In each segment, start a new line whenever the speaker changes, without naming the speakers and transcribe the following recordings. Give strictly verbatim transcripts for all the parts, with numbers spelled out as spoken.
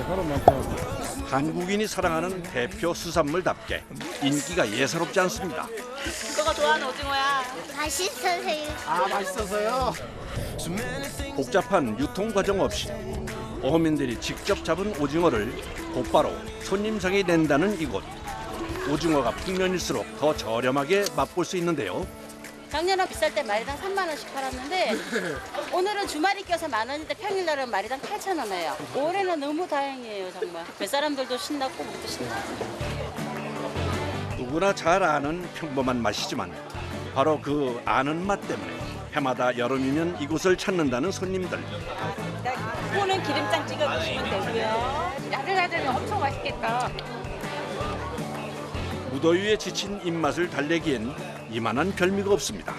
사람 많더라고.
한국인이 사랑하는 대표 수산물답게 인기가 예사롭지 않습니다.
너가 좋아하는 오징어야.
맛있어서요.
아, 맛있어서요?
복잡한 유통 과정 없이 어민들이 직접 잡은 오징어를 곧바로 손님상에 낸다는 이곳. 오징어가 풍년일수록 더 저렴하게 맛볼 수 있는데요.
작년에 비쌀 때 마리당 삼만 원씩 팔았는데 오늘은 주말이 껴서 만 원인데 평일날은 마리당 팔천 원이에요. 올해는 너무 다행이에요 정말. 뱃사람들도 신났고 우리도 신나고.
누구나 잘 아는 평범한 맛이지만 바로 그 아는 맛 때문에 해마다 여름이면 이곳을 찾는다는 손님들.
코는 기름장 찍어 드시면 되고요. 야들야들면 엄청 맛있겠다.
무더위에 지친 입맛을 달래기엔 이만한 별미가 없습니다.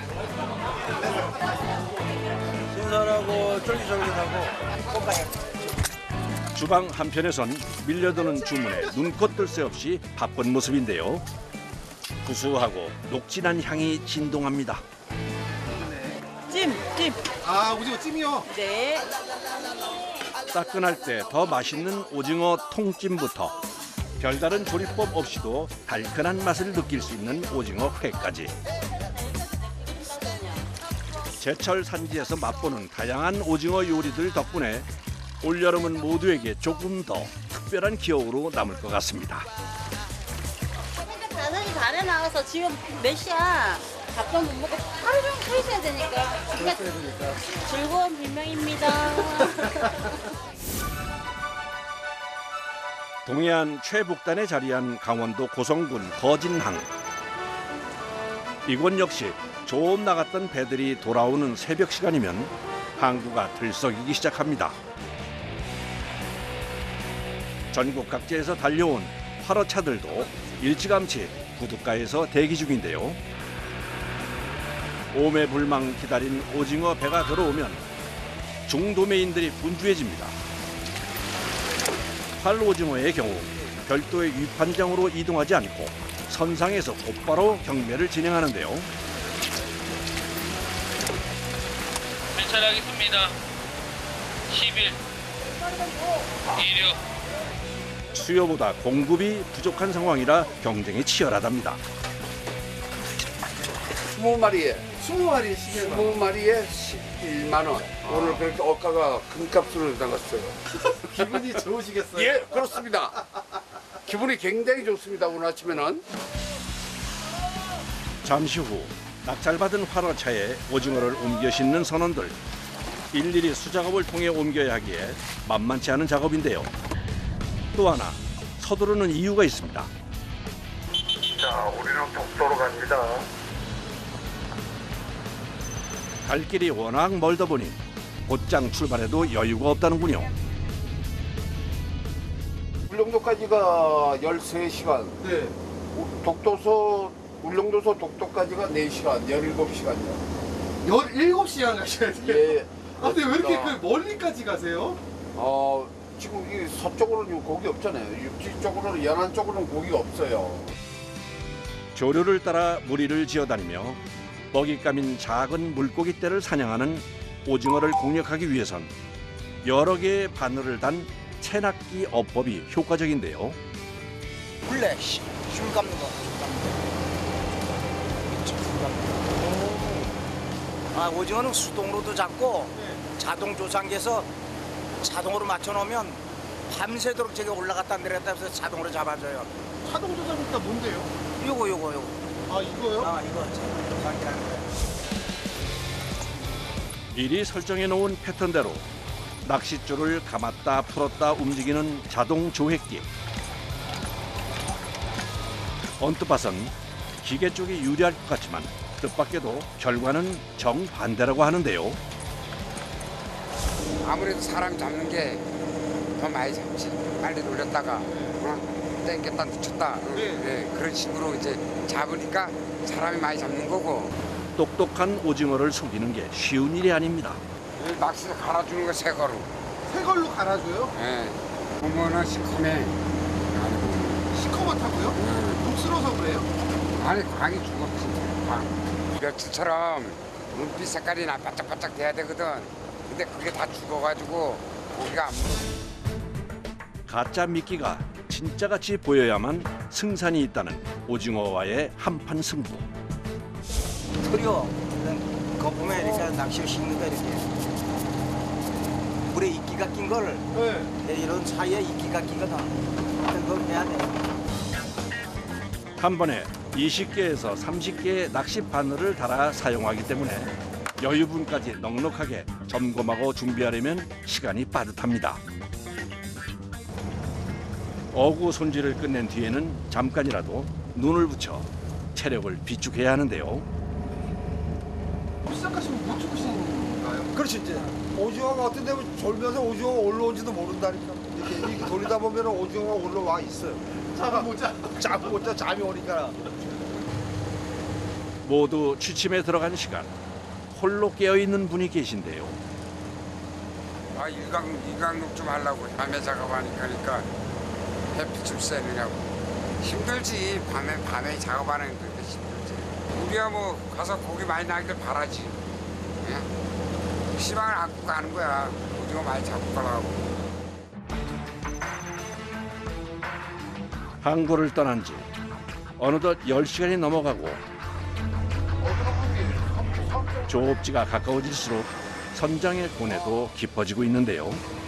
신선하고 쫄깃쫄깃하고.
주방 한편에선 밀려드는 주문에 눈코 뜰 새 없이 바쁜 모습인데요. 구수하고 녹진한 향이 진동합니다.
찜, 찜.
아, 오징어 찜이요?
네.
따끈할 때 더 맛있는 오징어 통찜부터 별다른 조리법 없이도 달큰한 맛을 느낄 수 있는 오징어 회까지. 제철 산지에서 맛보는 다양한 오징어 요리들 덕분에 올여름은 모두에게 조금 더 특별한 기억으로 남을 것 같습니다.
다섯 시 반에 나와서 지금 몇 시야? 밥도 못 먹고 하루 종일 서 있어야 되니까. 그러니까 즐거운 불명입니다.
동해안 최북단에 자리한 강원도 고성군 거진항. 이곳 역시 조업 나갔던 배들이 돌아오는 새벽 시간이면 항구가 들썩이기 시작합니다. 전국 각지에서 달려온 화로차들도 일찌감치 부둣가에서 대기 중인데요. 오매불망 기다린 오징어 배가 들어오면 중도매인들이 분주해집니다. 활오징어의 경우 별도의 위판장으로 이동하지 않고 선상에서 곧바로 경매를 진행하는데요.
괜찮하겠습니다. 십일, 이륙.
수요보다 공급이 부족한 상황이라 경쟁이 치열하답니다.
스무 마리에
스무 마리 시계가.
스무 마리에 십일만 원. 오늘 그렇게 어가가 금값으로 나갔어요.
기분이 좋으시겠어요?
예, 그렇습니다. 기분이 굉장히 좋습니다. 오늘 아침에는.
잠시 후 낙찰받은 활어차에 오징어를 옮겨 싣는 선원들. 일일이 수작업을 통해 옮겨야 하기에 만만치 않은 작업인데요. 또 하나 서두르는 이유가 있습니다.
자, 우리는 독도로 갑니다.
갈 길이 워낙 멀다 보니 곧장 출발해도 여유가 없다는군요.
울릉도까지가 열세 시간.
네.
독도서 울릉도서 독도까지가 네 시간, 열일곱 시간이요.
열일곱 시간 가셔야 돼요?
예.
아, 근데 왜 이렇게
그렇습니다.
그 멀리까지 가세요?
어, 지금 이 서쪽으로는 고기 없잖아요. 육지 쪽으로는, 연안 쪽으로는 고기가 없어요.
조류를 따라 무리를 지어다니며 먹잇감인 작은 물고기떼를 사냥하는 오징어를 공략하기 위해선 여러 개의 바늘을 단 채낚기 어법이 효과적인데요.
원래 실 감는 거. 줄 감는 거. 아, 오징어는 수동으로도 잡고 자동 조상기에서 자동으로 맞춰놓으면 밤새도록 저기 올라갔다 내려갔다 해서 자동으로 잡아줘요.
자동 조작이니까 뭔데요?
요거 요거 요거.
아, 이거요?
아, 이거 조상기라는 거예요.
미리 설정해 놓은 패턴대로 낚싯줄을 감았다 풀었다 움직이는 자동 조획기. 언뜻 봐선 기계 쪽이 유리할 것 같지만 뜻밖에도 결과는 정반대라고 하는데요.
아무래도 사람 잡는 게 더 많이 잡지. 빨리 놀렸다가 어? 땡겼다 놓쳤다 어,
네.
네, 그런 식으로 이제 잡으니까 사람이 많이 잡는 거고.
똑똑한 오징어를 속이는 게 쉬운 일이 아닙니다.
이 낚시를 갈아주는 거 새 거로.
새 걸로 갈아줘요?
예. 보면은 시커매.
시커멓다고요?
음.
녹슬어서 그래요?
아니 광이 죽었지. 광. 며칠처럼 눈빛 색깔이 나 바짝바짝 돼야 되거든. 근데 그게 다 죽어가지고 고기가 안 물어.
가짜 미끼가 진짜같이 보여야만 승산이 있다는 오징어와의 한판 승부.
털이요. 그거 보면 이렇게 낚시를 씻는다 이렇게. 물에 이끼가 낀 걸
네.
이런 사이에 이끼가 끼거든. 그걸 해야 돼.
한 번에 이십 개에서 삼십 개의 낚시 바늘을 달아 사용하기 때문에 여유분까지 넉넉하게 점검하고 준비하려면 시간이 빠듯합니다. 어구 손질을 끝낸 뒤에는 잠깐이라도 눈을 붙여 체력을 비축해야 하는데요.
시작하시면 못 죽으신가요?
그렇지 이제 오징어가 어떤 데면 졸면서 오징어가 올라온지도 모른다니까. 이렇게, 이렇게 돌리다 보면 오징어가 올라와 있어요.
잠깐 보자.
잠 못 자, 잠이 오니까.
모두 취침에 들어간 시간. 홀로 깨어있는 분이 계신데요.
아 일광 일광욕 좀 하려고 밤에 작업하니까 그러니까 햇빛 좀 쐬느냐고 힘들지. 밤에 밤에 작업하는 게 그렇게 힘들지. 우리야 뭐 가서 고기 많이 나길 바라지. 예? 희망을 갖고 가는 거야. 오징어 많이 잡고 가라고.
항구를 떠난 지 어느덧 열 시간이 넘어가고 조업지가 가까워질수록 선장의 고뇌도 깊어지고 있는데요.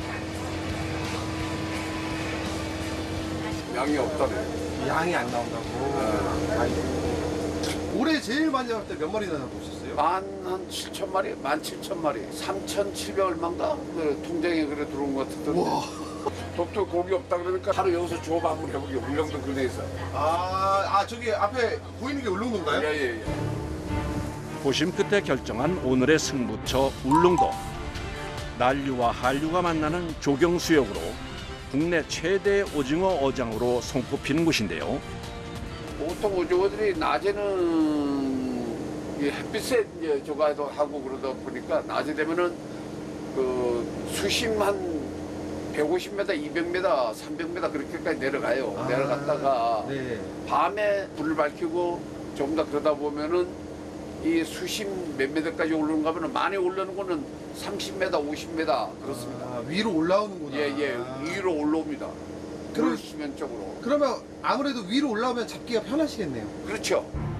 양이 없다네.
양이 안 나온다고. 아이고. 올해 제일 많이 잡을 때 몇 마리나 잡으셨어요?
만한 칠천 마리, 만 칠천 마리, 삼천칠백 얼마인가? 그 통장에 그래 들어온 것 같던데.
와.
독도 고기 없다 그러니까 하루 여기서 조업 한번 해보게. 울릉도 근해에서.
아, 아 저기 앞에 보이는 게 울릉도인가요?
예예예.
고심 끝에 결정한 오늘의 승부처 울릉도. 난류와 한류가 만나는 조경수역으로 국내 최대 오징어 어장으로 손꼽히는 곳인데요.
보통 오징어들이 낮에는 이 햇빛에 이제 저가도 하고 그러다 보니까 낮에 되면은 그 수심 한 백오십 미터, 이백 미터, 삼백 미터 그렇게까지 내려가요.
아,
내려갔다가
네.
밤에 불을 밝히고 조금 더 그러다 보면은 이 수심 몇 미터까지 올라오는가 하면 많이 올라오는 거는 삼십 미터, 오십 미터 그렇습니다.
아, 위로 올라오는구나.
예, 예. 위로 올라옵니다.
그럼-
물 수면 쪽으로.
그러면 아무래도 위로 올라오면 잡기가 편하시겠네요.
그렇죠.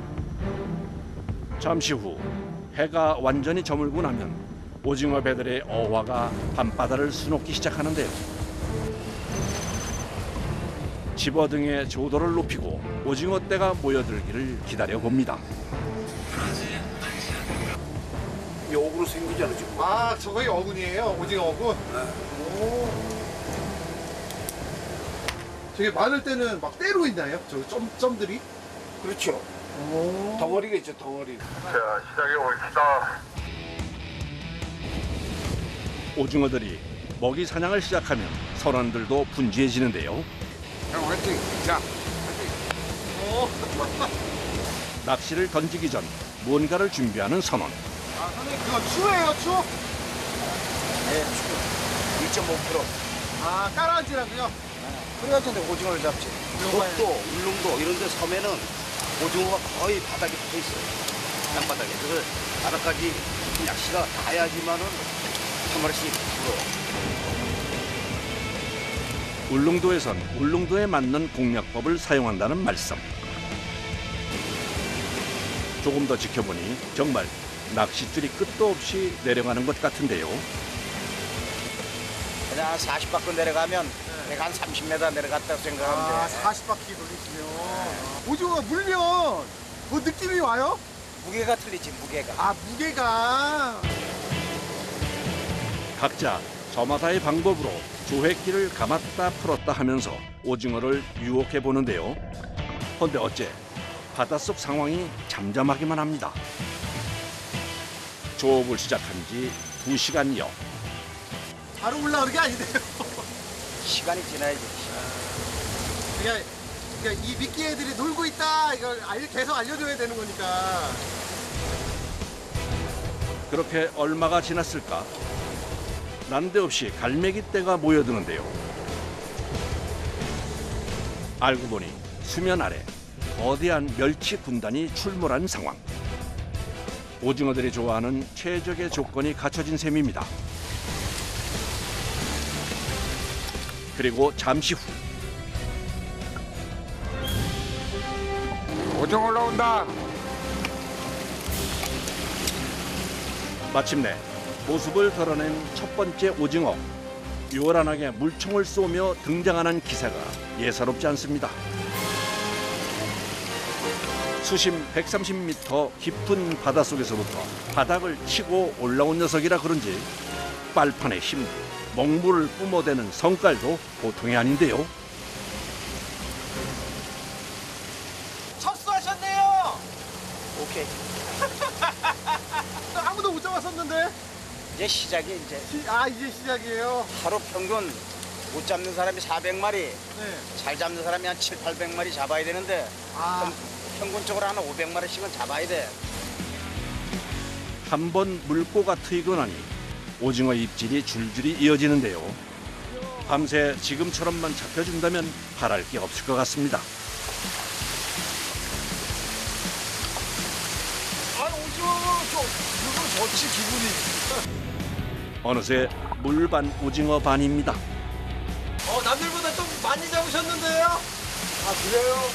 잠시 후 해가 완전히 저물고 나면 오징어 배들의 어화가 밤바다를 수놓기 시작하는데요. 집어등의 조도를 높이고 오징어 떼가 모여들기를 기다려 봅니다.
이 어그로 생기잖아요, 지금.
아, 저거이 어군이에요? 오징어 어군? 오. 저게 많을 때는 막 때로 있나요? 저 점, 점들이?
그렇죠.
오.
덩어리가 있죠, 덩어리.
오징어들이 먹이 사냥을 시작하면 선원들도 분주해지는데요.
형 화이팅. 자.
낚시를 던지기 전 무언가를 준비하는 선원.
아, 선생님, 그거 추예요, 추?
네, 일 점 오 퍼센트.
아, 깔아앉으라고요?
그래가지고 내가 오징어를 잡지. 독도, 울릉도 이런 데 섬에는 오징어가 거의 바닥에 붙어 있어요. 땅바닥에. 그래서 바닥까지 낚시가 닿아야지만은 한 마리씩 들어요.
울릉도에선 울릉도에 맞는 공략법을 사용한다는 말씀. 조금 더 지켜보니 정말 낚싯줄이 끝도 없이 내려가는 것 같은데요.
그냥 한 사십 바퀴 내려가면 내가 한 삼십 미터 내려갔다고 생각하면
아,
돼.
사십 바퀴 돌리시면. 오징어가 물면 뭐 느낌이 와요?
무게가 틀리지, 무게가.
아, 무게가.
각자 저마다의 방법으로 조획기를 감았다 풀었다 하면서 오징어를 유혹해 보는데요. 그런데 어째 바닷속 상황이 잠잠하기만 합니다. 조업을 시작한 지 두 시간여.
바로 올라오는 게 아니네요.
시간이 지나야지.
그냥, 그냥 이 미끼 애들이 놀고 있다. 이걸 알- 계속 알려줘야 되는 거니까.
그렇게 얼마가 지났을까? 난데없이 갈매기 떼가 모여드는데요. 알고 보니 수면 아래 거대한 멸치 군단이 출몰한 상황. 오징어들이 좋아하는 최적의 조건이 갖춰진 셈입니다. 그리고 잠시 후
오징어 올라온다.
마침내 모습을 드러낸 첫 번째 오징어. 요란하게 물총을 쏘며 등장하는 기세가 예사롭지 않습니다. 수심 백삼십 미터 깊은 바닷속에서부터 바닥을 치고 올라온 녀석이라 그런지 빨판의 힘, 먹물을 뿜어대는 성깔도 보통이 아닌데요.
철수하셨네요.
오케이.
아무도 못 잡았었는데.
이제 시작이 이제
시- 아 이제 시작이에요.
하루 평균 못 잡는 사람이 사백 마리,
네.
잘 잡는 사람이 한 칠, 팔백 마리 잡아야 되는데
아
평- 평균적으로 한 오백 마리씩은 잡아야 돼.
한 번 물고가 트이고 나니 오징어 입질이 줄줄이 이어지는데요. 밤새 지금처럼만 잡혀준다면 바랄 게 없을 것 같습니다.
아 오징어 좀 이거 좋지 기분이.
어느새 물반 오징어 반입니다.
어, 남들보다 좀 많이 잡으셨는데요?
아 그래요?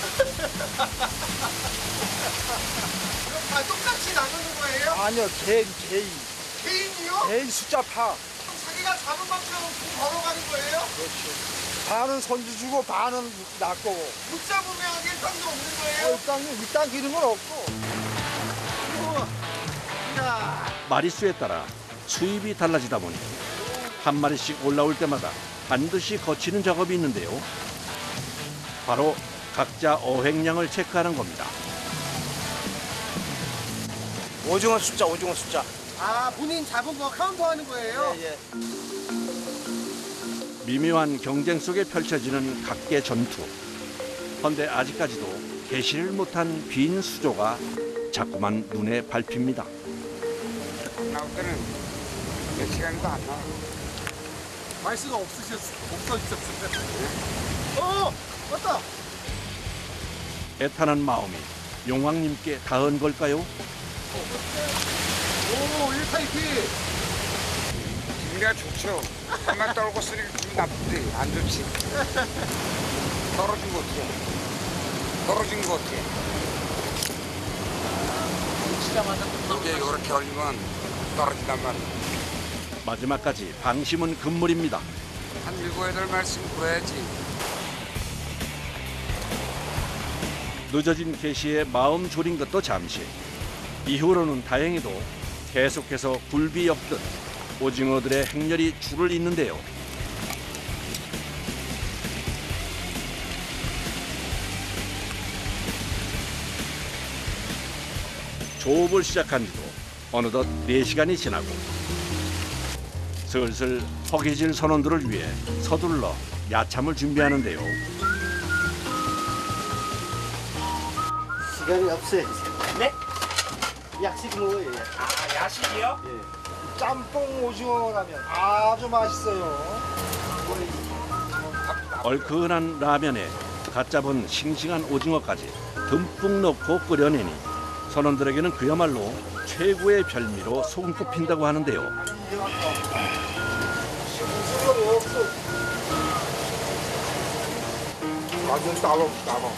그럼 다 똑같이 나누는 거예요?
아니요 개인 개인
개인이요?
개인 숫자 파.
그럼 자기가 잡은 만큼 돈 벌어가는 거예요?
그렇죠. 반은 선주 주고 반은 나 거고.
못 잡으면 일당도 없는
어,
거예요?
일단 일단 기는 건 없고.
그리고 자,
마리수에 따라 수입이 달라지다 보니 한 마리씩 올라올 때마다 반드시 거치는 작업이 있는데요. 바로 각자 어획량을 체크하는 겁니다.
오징어 숫자, 오징어 숫자.
아 본인 잡은 거 카운트하는 거예요?
예, 예.
미묘한 경쟁 속에 펼쳐지는 각계 전투. 헌데 아직까지도 개시를 못한 빈 수조가 자꾸만 눈에 밟힙니다.
나올 때는 몇 시간도 안 나와.
말수가 없으셨 없어지셨어요. 어 맞다.
애타는 마음이 용왕님께 닿은 걸까요?
오 일 타이피.
기분이가 좋죠. 한번 떨고 쓰니까 기분 나쁘지. 안 좋지. 떨어진 거 어떻게? 떨어진 거 어떻게? 이제 이렇게 올리면 떨어진단 말이야.
마지막까지 방심은 금물입니다.
한 일곱 여덟 말씀 구해야지.
늦어진 개시에 마음 졸인 것도 잠시. 이후로는 다행히도 계속해서 굴비 엮듯 오징어들의 행렬이 줄을 잇는데요. 조업을 시작한 지도 어느덧 네 시간이 지나고 슬슬 허기질 선원들을 위해 서둘러 야참을 준비하는데요.
시간이 없어요. 네? 약식 먹어요. 아, 야식이요?
예. 짬뽕 오징어라면 아주 맛있어요.
얼큰한 라면에 갓 잡은 싱싱한 오징어까지 듬뿍 넣고 끓여내니 선원들에게는 그야말로 최고의 별미로 손꼽힌다고 하는데요.
완전 따로 따로.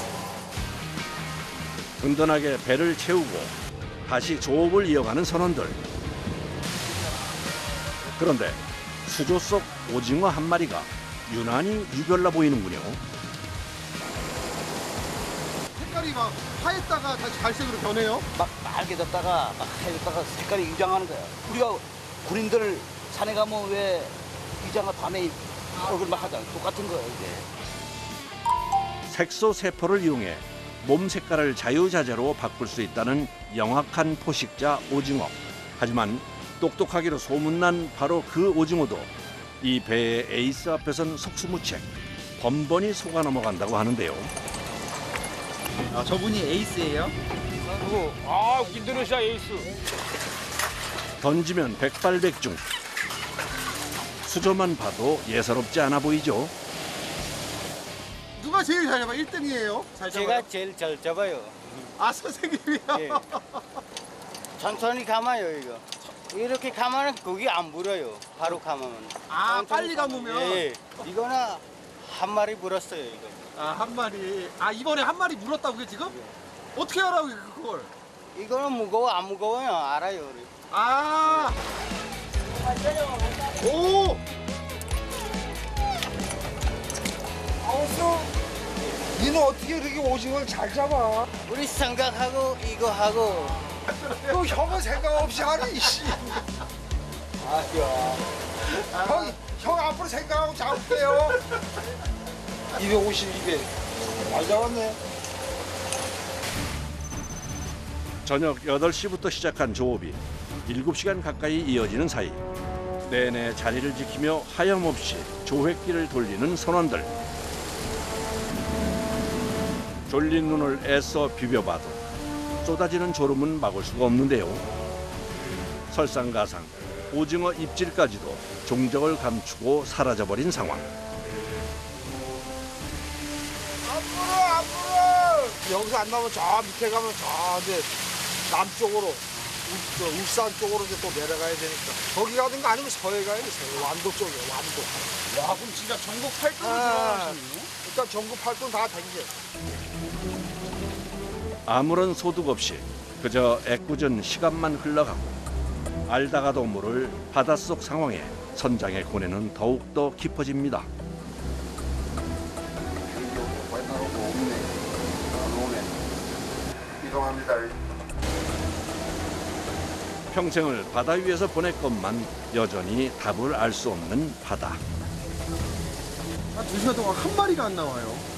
든든하게 배를 채우고 다시 조업을 이어가는 선원들. 그런데 수조 속 오징어 한 마리가 유난히 유별나 보이는군요.
색깔이 막 하였다가 다시 갈색으로 변해요.
막 빨개졌다가 막 하얘졌다가 색깔이 위장하는 거야. 우리가 군인들 산에 가면 왜 위장을 밤에 얼굴 막 하잖아. 똑같은 거야 이게.
색소 세포를 이용해 몸 색깔을 자유자재로 바꿀 수 있다는 영악한 포식자 오징어. 하지만 똑똑하기로 소문난 바로 그 오징어도 이 배의 에이스 앞에선 속수무책, 번번이 속아 넘어간다고 하는데요.
아 저분이 에이스예요?
누구? 아, 인도네시아 에이스.
던지면 백발백중. 수조만 봐도 예사롭지 않아 보이죠.
누가 제일 잘 잡아? 일 등이에요? 잘 잡아요?
제가 제일 잘 잡아요.
아 선생님이요?
예. 천천히 감아요 이거.
이렇게 감으면 고기 안 물어요. 바로 감으면.
아,
천천히
빨리
감으면.
감으면?
예. 이거는 한 마리 물었어요, 이거.
아, 한 마리. 아, 이번에 한 마리 물었다고요, 지금? 어떻게 알아요, 그걸?
이거는 무거워, 안 무거워요. 알아요, 우리.
아! 오!
아우스 니는 어떻게 이렇게 오징어를 잘 잡아?
우리 생각하고 이거 하고.
또 형은 생각 없이 하네 이씨. 아야. 형, 형 앞으로 생각하고 잡을게요. 이백오십, 이백. 많이 잡았네.
저녁 여덟 시부터 시작한 조업이 일곱 시간 가까이 이어지는 사이 내내 자리를 지키며 하염없이 조획기를 돌리는 선원들. 졸린 눈을 애써 비벼봐도 쏟아지는 졸음은 막을 수가 없는데요. 설상가상 오징어 입질까지도 종적을 감추고 사라져버린 상황.
앞으로 앞으로. 여기서 안 나오면 저 밑에 가면 저 이제 남쪽으로 울, 저 울산 쪽으로 이제 또 내려가야 되니까 거기 가든가 아니면 서해 가야 돼. 서해. 완도 쪽이야 완도.
와, 그럼 진짜 전국 팔 도로
아,
들어가시네요?
일단 전국 팔도 다 댕겨.
아무런 소득 없이 그저 애꿎은 시간만 흘러가고 알다가도 모를 바닷속 상황에 선장의 고뇌는 더욱더 깊어집니다.
맨날 오고 없네. 안 오네. 이동합니다.
평생을 바다 위에서 보냈건만 여전히 답을 알 수 없는 바다.
한 두 시간 동안 한 마리가 안 나와요.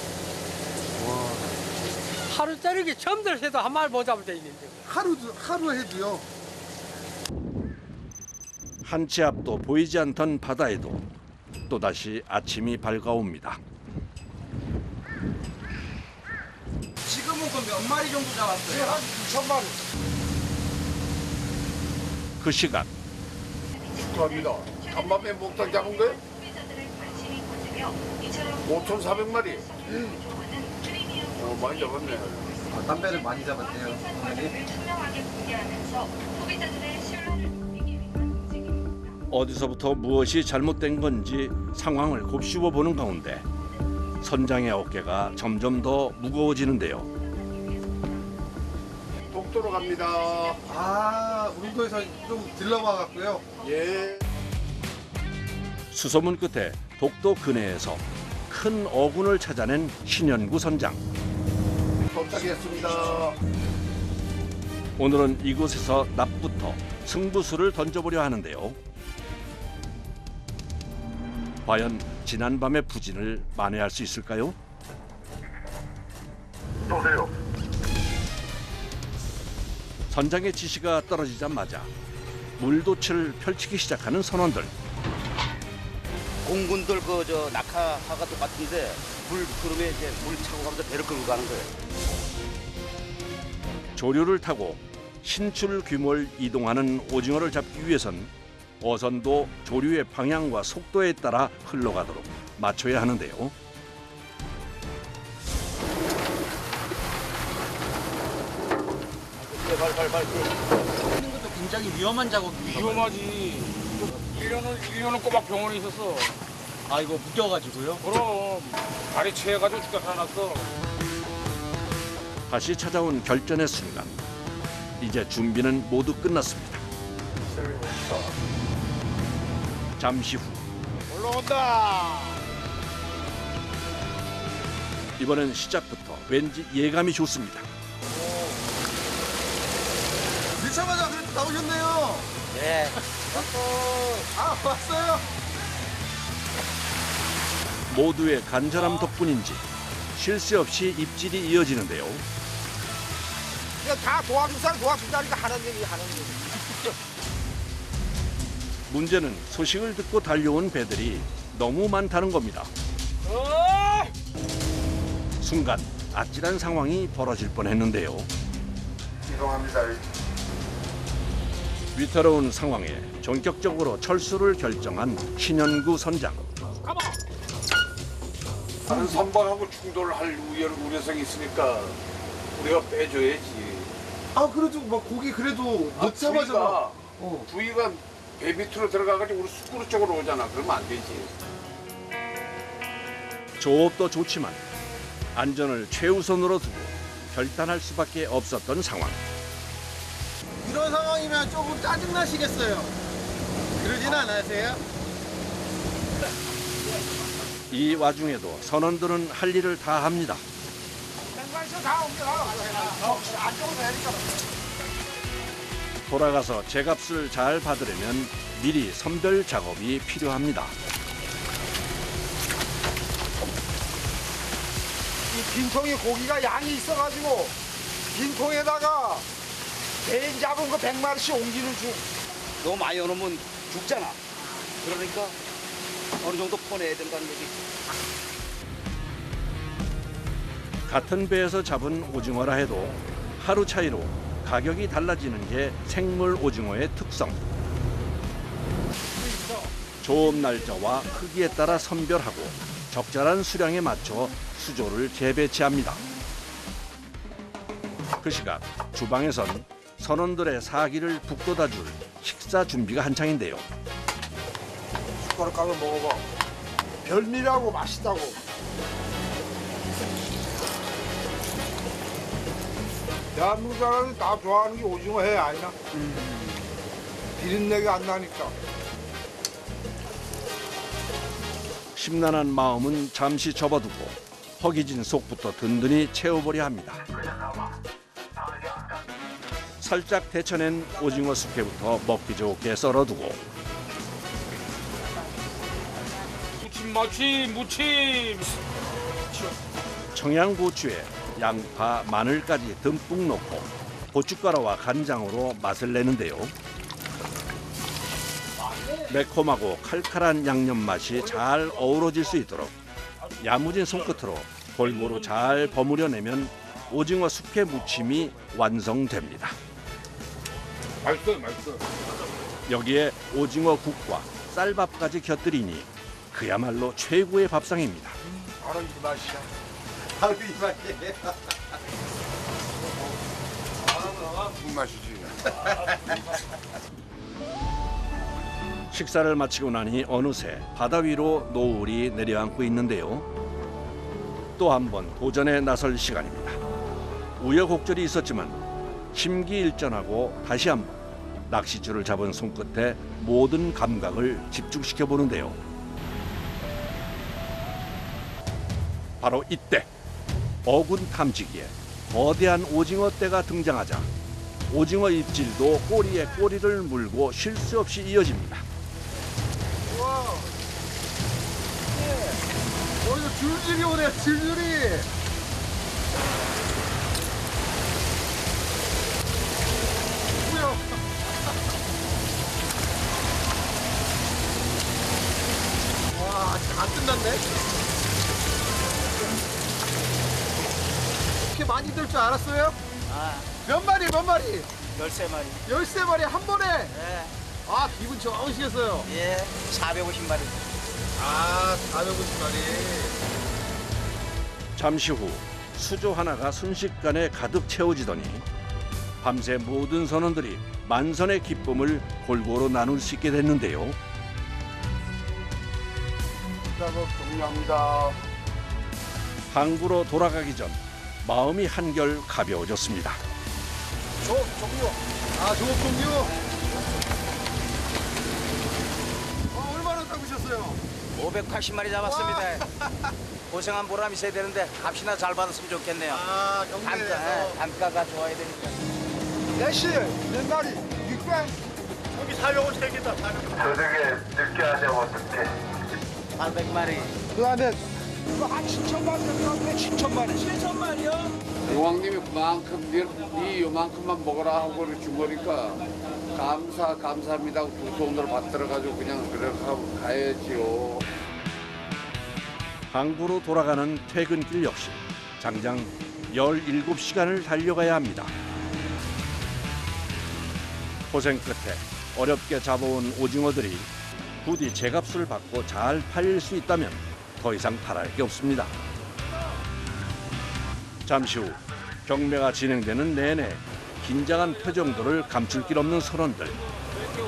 하루 자르기 처음 들어서도 한 마리 못 잡을 때 있는데.
하루, 하루 해도요.
한 치 앞도 보이지 않던 바다에도 또다시 아침이 밝아옵니다.
지금은 그럼 몇 마리 정도 잡았어요?
한 이천 마리.
그 시각
축하합니다. 간밤에 목탕 잡은 거예요? 오천사백 마리. 어, 많이 잡았네.
아, 담배를 많이 잡았대요.
어디서부터 무엇이 잘못된 건지 상황을 곱씹어 보는 가운데 선장의 어깨가 점점 더 무거워지는데요.
독도로 갑니다.
아, 울도에서 좀 들러와 갖고요.
예.
수소문 끝에 독도 근해에서 큰 어군을 찾아낸 신현구 선장.
도착했습니다.
오늘은 이곳에서 낮부터 승부수를 던져보려 하는데요. 과연 지난밤의 부진을 만회할 수 있을까요?
쏘세요.
선장의 지시가 떨어지자마자 물도치를 펼치기 시작하는 선원들.
공군들 그 저 낙하하가 똑같은데 물 흐름에 이제 물 차고 가면서 배를 끌고 가는 거예요.
조류를 타고 신출 규모를 이동하는 오징어를 잡기 위해선 어선도 조류의 방향과 속도에 따라 흘러가도록 맞춰야 하는데요.
발발발.
하는 것도 굉장히 위험한 작업입니다.
위험하지. 일 년은, 일 년은 꼬박 병원에 있었어.
아, 이거 묶여가지고요?
그럼. 다리 채해가지고 죽다 살아났어.
다시 찾아온 결전의 순간. 이제 준비는 모두 끝났습니다. 잠시 후
올라온다.
이번엔 시작부터 왠지 예감이 좋습니다.
늦자마자 그래도 나오셨네요.
예.
아, 왔어요.
모두의 간절함 덕분인지 쉴 새 없이 입질이 이어지는데요.
그냥 다 도와줄 사람 도와준다니까 하는 얘기 하는 얘기.
문제는 소식을 듣고 달려온 배들이 너무 많다는 겁니다. 순간 아찔한 상황이 벌어질 뻔했는데요.
이동합니다.
위태로운 상황에 전격적으로 철수를 결정한 신현구 선장.
다른 선박하고 충돌을 할 우려, 우려성이 있으니까 우리가 빼줘야지.
아, 그래도 막 고기 그래도
아,
늦자마자.
수위가
어.
부위가 배 밑으로 들어가가지고 우리 숯그릇 쪽으로 오잖아. 그러면 안 되지.
조업도 좋지만 안전을 최우선으로 두고 결단할 수밖에 없었던 상황.
이런 상황이면 조금 짜증나시겠어요? 그러진 않으세요?
이 와중에도 선원들은 할 일을 다 합니다. 돌아가서 제값을 잘 받으려면 미리 선별 작업이 필요합니다.
이 빈통에 고기가 양이 있어가지고 빈통에다가 개인 잡은 거 백 마리씩 옮기는 중.
너무 많이 넣으면 죽잖아. 그러니까 어느 정도 퍼내야 된다는 얘기.
같은 배에서 잡은 오징어라 해도 하루 차이로 가격이 달라지는 게 생물 오징어의 특성. 조업 날짜와 크기에 따라 선별하고 적절한 수량에 맞춰 수조를 재배치합니다. 그 시각 주방에선 선원들의 사기를 북돋아줄 식사 준비가 한창인데요.
숟가락 까서 먹어봐. 별미라고 맛있다고. 대한민국 사람이 다 좋아하는 게 오징어 회 아니나? 비린내가 안 나니까.
심란한 마음은 잠시 접어두고 허기진 속부터 든든히 채워보려 합니다. 살짝 데쳐낸 오징어 숙회부터 먹기 좋게 썰어두고
무침 무침 무침.
청양고추에 양파, 마늘까지 듬뿍 넣고 고춧가루와 간장으로 맛을 내는데요. 매콤하고 칼칼한 양념 맛이 잘 어우러질 수 있도록 야무진 손끝으로 골고루 잘 버무려내면 오징어 숙회 무침이 완성됩니다.
맛있어요, 맛있어.
여기에 오징어 국과 쌀밥까지 곁들이니 그야말로 최고의 밥상입니다.
바로 이 맛이야.
바로 이 맛이에요.
무슨 맛이지?
식사를 마치고 나니 어느새 바다 위로 노을이 내려앉고 있는데요. 또 한 번 도전에 나설 시간입니다. 우여곡절이 있었지만 심기일전하고 다시 한번 낚시줄을 잡은 손끝에 모든 감각을 집중시켜 보는데요. 바로 이때 어군 탐지기에 거대한 오징어 떼가 등장하자 오징어 입질도 꼬리에 꼬리를 물고 쉴 수 없이 이어집니다.
와. 어, 이거 줄줄이 오네요, 줄줄이. 뭐야? 와, 다 끝났네. 이렇게 많이 들 줄 알았어요?
아,
몇 마리, 몇 마리?
열세 마리.
열세 마리 한 번에?
예,
아, 기분 좋으시겠어요?
예, 사백오십 마리.
아, 사백오십 마리.
잠시 후 수조 하나가 순식간에 가득 채워지더니 밤새 모든 선원들이 만선의 기쁨을 골고루 나눌 수 있게 됐는데요.
작업 종료합니다.
항구로 돌아가기 전 마음이 한결 가벼워졌습니다.
조업 종료. 아, 조업 종료. 어, 얼마나 잡으셨어요?
오백팔십 마리 잡았습니다. 고생한 보람이 있어야 되는데 값이나 잘 받았으면 좋겠네요.
아,
단가,
경매에서.
예, 단가가 좋아야 되니까.
내시 몇 마리? 육백?
여기 사백오십 되겠다, 사백오십.
저녁에 늦게 하자면 어떡해.
팔백 마리.
그 다음에 이거 한 칠천 마리 들어가면 칠천 마리. 칠천 마리요?
여왕님이 그만큼 네, 네 요만큼만 먹어라 하고 준 거니까 감사 감사합니다 하고 두 손으로 받들어가지고 그냥 그렇게 하고 가야지요.
항구로 돌아가는 퇴근길 역시 장장 열일곱 시간을 달려가야 합니다. 고생 끝에 어렵게 잡아온 오징어들이 부디 제값을 받고 잘 팔릴 수 있다면 더 이상 바랄 게 없습니다. 잠시 후 경매가 진행되는 내내 긴장한 표정들을 감출 길 없는 선원들.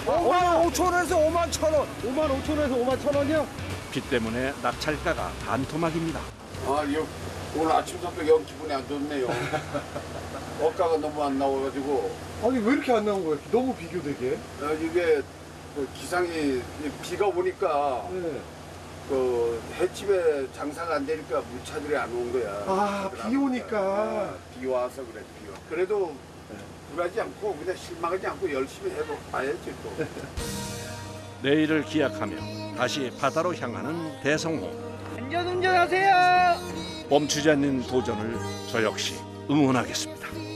오만 오천 원에서 오만 천 원.
오만 오천 원에서 오만 천 원이요?
비 때문에 낙찰가가 반토막입니다.
아, 여, 오늘 아침부터 영 기분이 안 좋네요. 어가가 너무 안 나와가지고
아니 왜 이렇게 안 나온 거예요? 너무 비교되게.
어, 이게 그 기상이 비가 오니까
네.
그 횟집에 장사가 안 되니까 물차들이 안 온 거야.
아, 비 오니까.
아, 비 와서 그래, 비 와. 그래도 불하지 않고 그냥 실망하지 않고 열심히 해도 봐야지 또.
내일을 기약하며 다시 바다로 향하는 대성호.
안전 운전하세요.
멈추지 않는 도전을 저 역시 응원하겠습니다.